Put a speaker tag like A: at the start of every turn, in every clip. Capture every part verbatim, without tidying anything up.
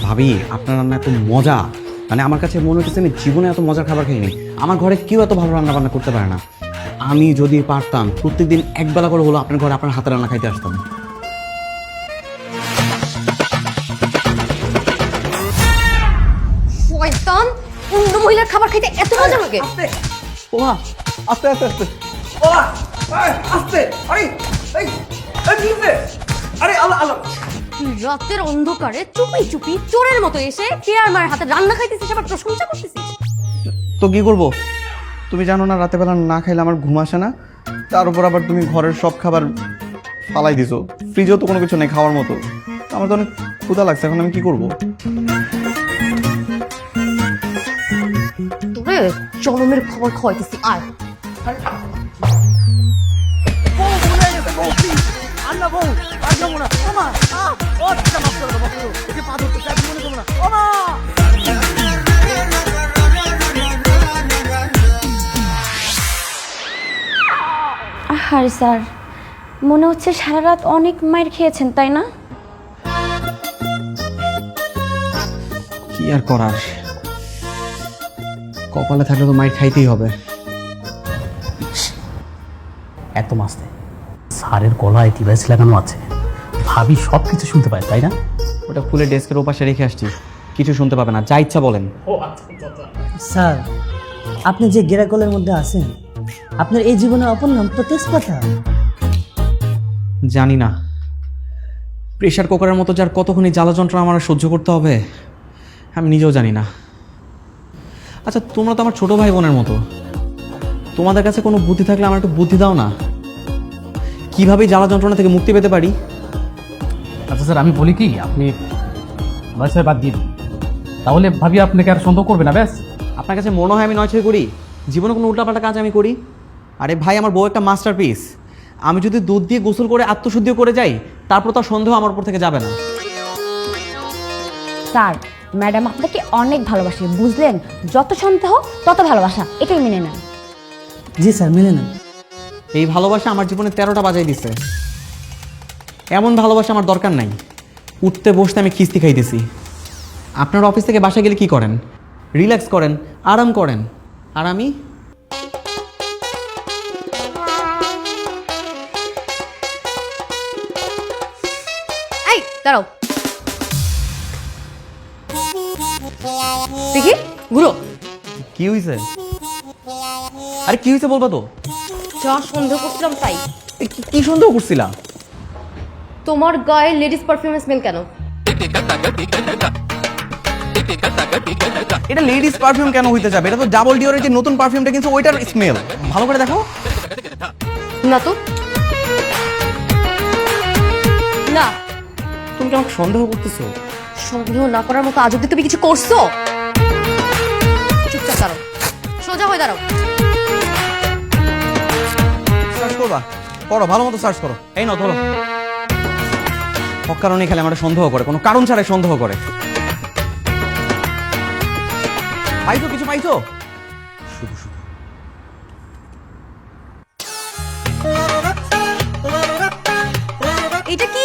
A: ভাবি আপনার রান্না এত মজা, মানে আমার কাছে মনে হচ্ছে আমি জীবনে এত মজার খাবার খাইনি। আমার ঘরে কেউ এত ভালো রান্না বান্না করতে পারে না। আমি যদি পারতাম প্রত্যেকদিন একবেলা করে হলো আপনার ঘরে আপনার হাতে রান্না খাইতে আসতাম।
B: শয়তান, অন্য মহিলার খাবার খাইতে এত মজা লাগে?
A: ওমা আস্তে আস্তে আস্তে ওমা আস্তে। আরে এই এই কি হইছে? আরে আল্লাহ আল্লাহ।
B: রাতের অন্ধকারে চুপি চুপি চোরের মতো এসে কে আর মায়ের হাতে রান্না খাইতেছিস, আবার প্রশংসা করতেছিস।
A: তো কি করব? তুমি জানো না রাতে বেলা না খাইলে আমার ঘুম আসে না। তার উপর আবার তুমি ঘরের সব খাবার ফালাই দিছো, ফ্রিজেও তো কোনো কিছু নেই খাওয়ার মতো। আমার তো অনেক ক্ষুধা লাগছে, এখন আমি কি করব?
B: তোরে জনমের খবর খাওয়াইতেছি, আয়।
C: আরে স্যার, মনে হচ্ছে সারা রাত অনেক মাইর খেয়েছেন, তাই না?
A: কি আর করার, কপালে থাকলে তো মাইর খাইতেই হবে।
D: এত মাসতে স্যারের গলায় ডিভাইস লাগানো আছে, ভাবি সব কিছু শুনতে পায়, তাই না?
A: ওটা খুলে ডেস্কের ওপাশে রেখে আসছি, কিছু শুনতে পাবে না, যা ইচ্ছা বলেন।
E: স্যার, আপনি যে গেরাকলের মধ্যে আছেন, আপনার এই জীবনের অপর নাম তো তেজপাতা।
A: জানি না প্রেশার কুকারের মতো যার কতক্ষণই জ্বালা যন্ত্রণা আমার সহ্য করতে হবে আমি নিজেও জানি না। আচ্ছা তোমরা তো আমার ছোট ভাই বোনের মতো, তোমাদের কাছে কোনো বুদ্ধি থাকলে আমার একটু বুদ্ধি দাও না, কিভাবে জ্বালা যন্ত্রণা থেকে মুক্তি পেতে পারি।
D: আচ্ছা স্যার, আমি বলি কি, আপনি নয় ছয় বাদ দিয়ে দিন, তাহলে ভাবি আপনাকে আর সন্দেহ করবে না। ব্যাস,
A: আপনার কাছে মনে হয় আমি নয় ছয় করি? জীবনে কোনো উল্টাপাল্টা কাজ আমি করি? আরে ভাই, আমার বউ একটা মাস্টারপিস, আমি যদি দুধ দিয়ে গোসল করে আত্মশুদ্ধিও করে যাই তারপর তার সন্দেহ আমার উপর থেকে যাবে না।
C: স্যার, ম্যাডাম আপনাকে অনেক ভালোবাসে, বুঝলেন? যত সন্দেহ তত ভালোবাসা, এটাই মেনে নেন।
E: জি স্যার, মেনে নেন।
A: এই ভালোবাসা আমার জীবনে তেরোটা বাজাই দিছে। এমন ভালোবাসা আমার দরকার নাই। উঠতে বসতে আমি খিস্তি খাইতেছি। আপনার অফিস থেকে বাসা গেলে কি করেন? রিল্যাক্স করেন, আরাম করেন, আর আমি
B: এই দাঁড়াও, দেখি ঘুরো।
A: কি হয়েছে? আরে কি হয়েছে বলবা তো?
B: যা সন্দেহ করছিলাম তাই।
A: এ কি- কি সন্দেহ করছিলা?
B: তোমার গায়ে লেডিস পারফিউমের স্মেল কেন?
A: এটা লেডিস পারফিউম কেন হইতে যাবে? এটা তো ডাবল ডিওরের যে নতুন পারফিউমটা কিন্তু ওইটার স্মেল। ভালো করে দেখো।
B: না তো, না।
A: তুমি কি আমাকে সন্দেহ করতেছো?
B: সন্দেহ না করার মতো আজ অব্দি তুমি কিছু করছো? চুপচাপ দাঁড়াও, সোজা হয়ে দাঁড়াও।
A: সার্চ করবা? করো, ভালো মতো সার্চ করো। এই নাও ধরো। কারণে খালি আমার সন্দেহ করে, কোনো কারণ ছাড়াই সন্দেহ করে। পাইছো কিছু? পাইছো? শুধু শুধু
B: এটা কি?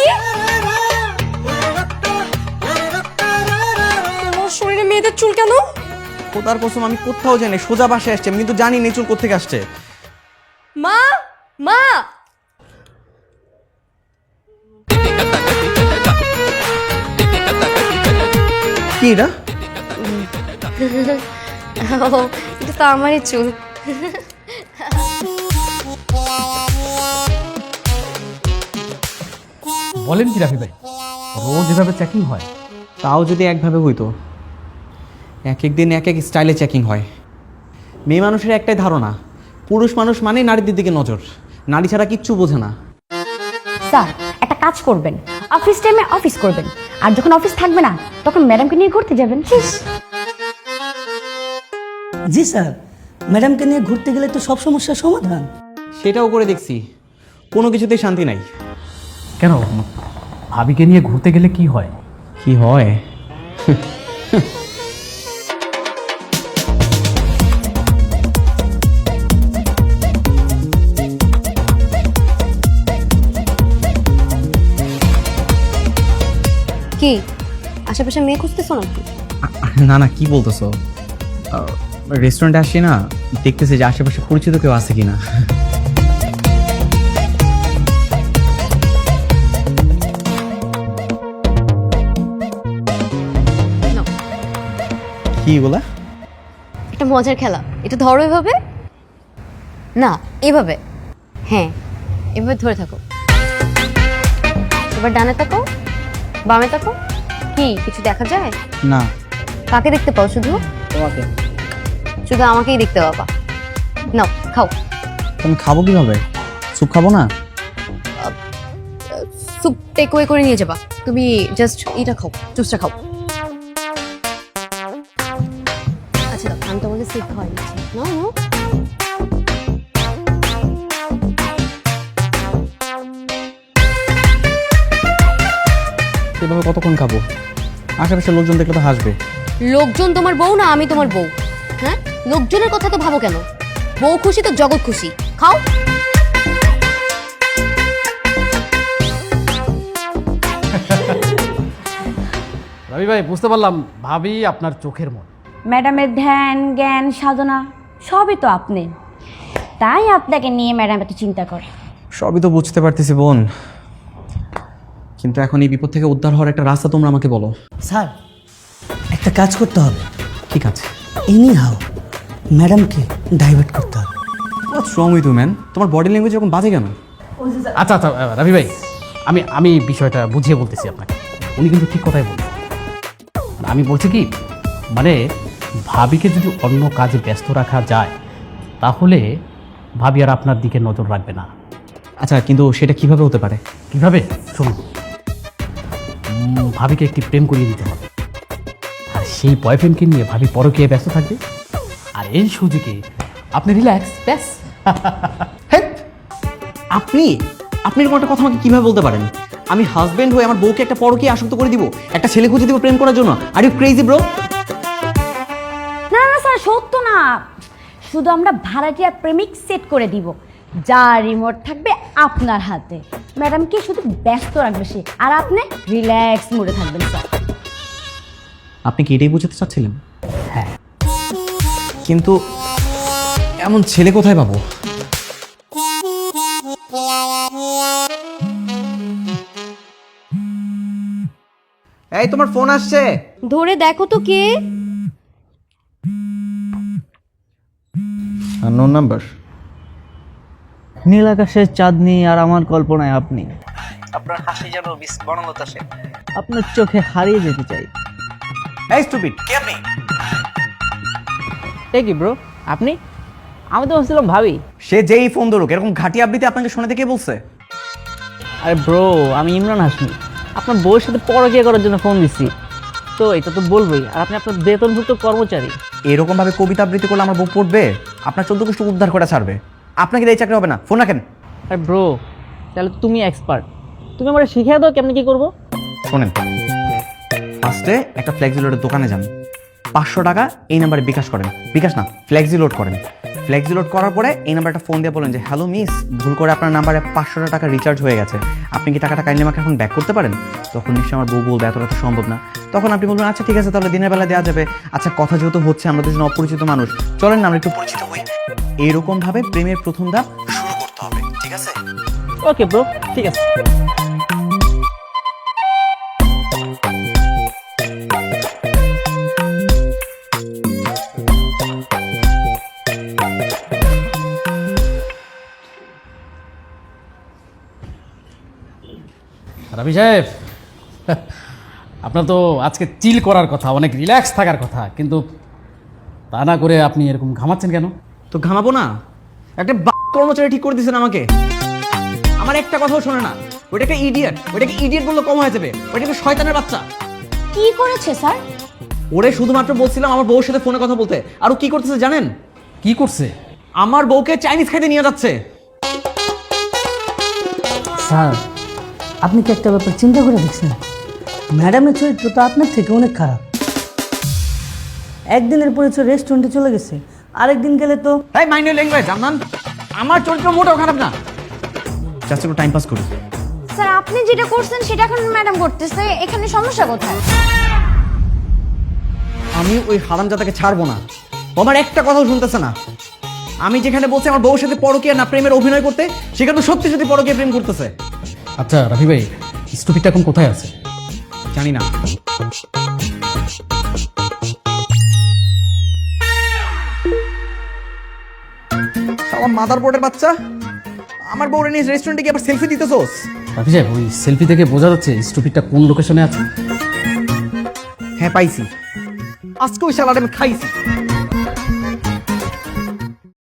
B: তোমার শরীরে মেয়েদের চুল কেন?
A: খোদার কসম আমি কোথাও জানি, সোজা বাসায় আসছে, আমি কিন্তু জানি নেচুর কোত্থেকে আসছে।
B: মা, মা।
A: কি এটা?
B: ও, এটা তো আমারই চুল।
D: বলেন কি রাফি ভাই, রোজ এভাবে চেকিং হয়?
A: তাও যদি একভাবে হইতো, এক এক দিন এক এক স্টাইলে চেকিং হয়। মেয়ে মানুষের একটাই ধারণা, পুরুষ মানুষ মানে নারীদের দিকে নজর, নারী ছাড়া কিচ্ছু বোঝে না।
C: স্যার, একটা কাজ করবেন, অফিস টাইমে অফিস করবেন, আর যখন অফিস থাকবে না তখন ম্যাডামকে নিয়ে ঘুরতে যাবেন। শেষ।
E: জি স্যার, ম্যাডামকে নিয়ে ঘুরতে গেলে তো সব সমস্যার সমাধান।
A: সেটাও করে দেখছি, কোনো কিছুতেই শান্তি নাই।
D: কেন, ভাবিকে নিয়ে ঘুরতে গেলে কি হয়?
A: কি হয়?
B: কি আশেপাশে মেয়ে খুঁজতেছো নাকি?
A: না না, কি বলতেছো? রেস্টুরেন্টে আসি না, দেখতেছি যে আশেপাশে পরিচিত কেউ আছে কিনা।
B: নাও,
A: কি বলা?
B: একটা মজার খেলা, এটা ধরো এভাবে, না এভাবে, হ্যাঁ এভাবে ধরে থাকো। এবার ডানে তাকো, বামে তাকো। কি কিছু দেখা যায়?
A: না।
B: কাকে দেখতে পাও? শুধু
A: তোমাকে।
B: শুধু আমাকেই দেখতে পাবা। নাও খাও।
A: তুমি খাবো কিভাবে? স্যুপ খাবো না?
B: স্যুপ টেক অ্যাওয়ে করে নিয়ে যাবা। তুমি জাস্ট এটা খাও, জুসটা খাও। আচ্ছা দাও, আমি তোমাকে স্যুপ খাওয়াই দিচ্ছি। নাও নাও।
A: এভাবে কতক্ষণ খাবো? আশেপাশে লোকজন দেখলে তো হাসবে।
B: লোকজন তোমার বউ না আমি তোমার বউ? হ্যাঁ, লোকজনের কথা তো ভাবো কেন? বউ খুশি তো জগৎ খুশি। খাও।
D: রবি ভাই, বুঝতে পারলাম ভাবি আপনার চোখের মন।
C: ম্যাডামের ধ্যান জ্ঞান সাধনা সবই তো আপনি, তাই আপনাকে নিয়ে ম্যাডাম এত চিন্তা করে।
A: সবই তো বুঝতে পারতেছি বোন, কিন্তু এখন এই বিপদ থেকে উদ্ধার হওয়ার একটা রাস্তা তোমরা আমাকে বলো।
E: স্যার, একটা কাজ করতে হবে।
A: ঠিক আছে,
E: এনি হাও ম্যাডামকে ডাইভার্ট করতে হবে।
A: What's wrong with you man? তোমার বডি ল্যাঙ্গুয়েজ এরকম বাজে কেন?
D: আচ্ছা আচ্ছা রবি ভাই, আমি আমি বিষয়টা বুঝিয়ে বলতেছি আপনাকে। উনি কিন্তু ঠিক কথাই বলছেন। আমি বলছি কি, মানে ভাবিকে যদি অন্য কাজে ব্যস্ত রাখা যায় তাহলে ভাবি আর আপনার দিকে নজর রাখবে না।
A: আচ্ছা, কিন্তু সেটা কিভাবে হতে পারে?
D: কিভাবে? শুনুন, উম, ভাবিকে একটি প্রেম করিয়ে দিতে হবে, আর সেই বয়ফ্রেন্ডকে নিয়ে ভাবি পরকীয়ায় ব্যস্ত থাকবে, আর এই সুযোগে আপনি রিল্যাক্স ব্যাস।
A: হেৎ! আপনি আপনি এরকম একটা কথা আমাকে কিভাবে বলতে পারেন? আমি হাজবেন্ড হয়ে আমার বউকে একটা পরকীয়ায় আসক্ত করে দিব, একটা ছেলে খুঁজে দিব প্রেম করার জন্য? Are you crazy bro?
C: না না স্যার, সত্য না, শুধু আমরা ভাড়াটিয়া প্রেমিক সেট করে দিব, যা রিমোট থাকবে আপনার হাতে। ম্যাডামকে শুধু ব্যস্ত রাখবে সে, আর আপনি রিল্যাক্স মোডে থাকবেন স্যার।
A: আপনি কি এটাই বোঝাতে চাচ্ছিলেন? হ্যাঁ। কিন্তু এমন ছেলে কোথায় পাবো? এই, তোমার ফোন আসছে।
B: ধরে দেখো তো কে।
A: Unknown number.
E: নীল আকাশের চাঁদনি আর আমার কল্পনায় আপনি।
F: আপনার হাসি যেন মিস বনলতা সেন।
E: আপনার চোখে হারিয়ে যেতে চাই।
A: এই স্টুপিড,
F: কে আপনি?
E: এ কি ব্রো, আপনি? আমি তো ভাবছিলাম ভাবি।
A: সে যেই ফোন ধরুক, এরকম ঘাটি আবৃত্তি আপনাকে শোনাতে কে বলছে?
E: আরে ব্রো, আমি ইমরান হাসমি, আপনার বউয়ের সাথে পরকীয়া করার জন্য ফোন দিচ্ছি। তো এটা তো বলবোই, আর আপনি আপনার বেতনভুক্ত কর্মচারী।
A: এরকম ভাবে কবিতা আবৃত্তি করলে আমার বউ পড়বে, আপনার চোদ্দ গোষ্ঠী উদ্ধার করে ছাড়বে। আপনাকে এই চাকরি হবে না। ফোন রাখেন।
E: আরে ব্রো, তাহলে তো তুমি এক্সপার্ট, তুমি আমার শিখিয়ে দাও কেমনি কি করবো।
A: শোনেন, ফার্স্টে একটা ফ্লেক্সি লোডের দোকানে যান, পাঁচশো টাকা এই নাম্বারে বিকাশ করেন। বিকাশ না, ফ্লেক্সি লোড করেন। ফ্লেক্সি লোড করার পরে এই নাম্বারটা ফোন দিয়ে বলেন যে হ্যালো মিস, ভুল করে আপনার নাম্বারে পাঁচশো টাকা রিচার্জ হয়ে গেছে, আপনি কি টাকাটা কাইন্ডলি আমাকে এখন ব্যাক করতে পারেন? তখন নিশ্চয়ই আমার বউ বলবে এতটা তো সম্ভব না। তখন আপনি বলবেন আচ্ছা ঠিক আছে, তাহলে দিনের বেলা দেওয়া যাবে। আচ্ছা, কথা যেহেতু হচ্ছে, আমরা দুজন অপরিচিত মানুষ, চলেন না আমরা একটু পরিচিত হই। এইরকম ভাবে প্রেমের প্রথম ধাপ শুরু করতে হবে, ঠিক আছে?
E: ওকে ব্রো, ঠিক আছে।
D: রবি সাহেব, আপনার তো আজকে চিল করার কথা, অনেক রিল্যাক্স থাকার কথা, কিন্তু তা না করে আপনি এরকম ঘামাচ্ছেন কেন?
A: তো ঘামাবো না? একটা কর্মচারী ঠিক করে দিয়েছেন আমাকে, আমার একটা কথাও শোনে না। ওইটা একটা ইডিয়েট, ওইটাকে ইডিয়েট বললে কম হয়ে যাবে। ওইটা একটা শয়তানের বাচ্চা।
C: কি করেছে স্যার?
A: ওরে শুধুমাত্র বলছিলাম আমার বউর সাথে ফোনে কথা বলতে, আর ও কি করতেছে জানেন?
D: কি করছে?
A: আমার বউকে চাইনিজ খাইতে নিয়ে যাচ্ছে।
E: স্যার, আপনি কি একটা ব্যাপার চিন্তা করে দেখছেন? ম্যাডামের চরিত্র তো আপনার থেকে অনেক খারাপ। একদিনের পরিচয় রেস্টুরেন্টে চলে গেছে, আরেকদিন গেলে তো
A: তাই মাইন্ড ইউর ল্যাঙ্গুয়েজ জানান। আমার চরিত্র মোটেও খারাপ না, জাস্ট একটু টাইম পাস করি।
C: স্যার, আপনি যেটা করছেন সেটা এখন ম্যাডাম করতেছে, এখানে সমস্যা কোথায়?
A: আমি ওই হারামজাদাকে ছাড়বো না। ও আমার একটা কথাও শুনতেছে না। আমি যেখানে বলছি আমার বউর সাথে পরকীয়া না প্রেমের অভিনয় করতে, সেখানে সত্যি সত্যি পরকীয়া প্রেম করতেছে।
D: আচ্ছা রাফি ভাই, স্টুপিটা এখন কোথায় আছে?
A: জানি না। শালা মাদার বোর্ডের বাচ্চা, আমার বউরে নিয়ে রেস্টুরেন্টে গিয়ে আবার সেলফি দিতেছোস?
D: রাফি সাহেব, ওই সেলফি থেকে বোঝা যাচ্ছে স্টুপিটা কোন লোকেশনে আছে।
A: হ্যাঁ পাইছি, আজকে ওই শালাটা আমি খাইছি।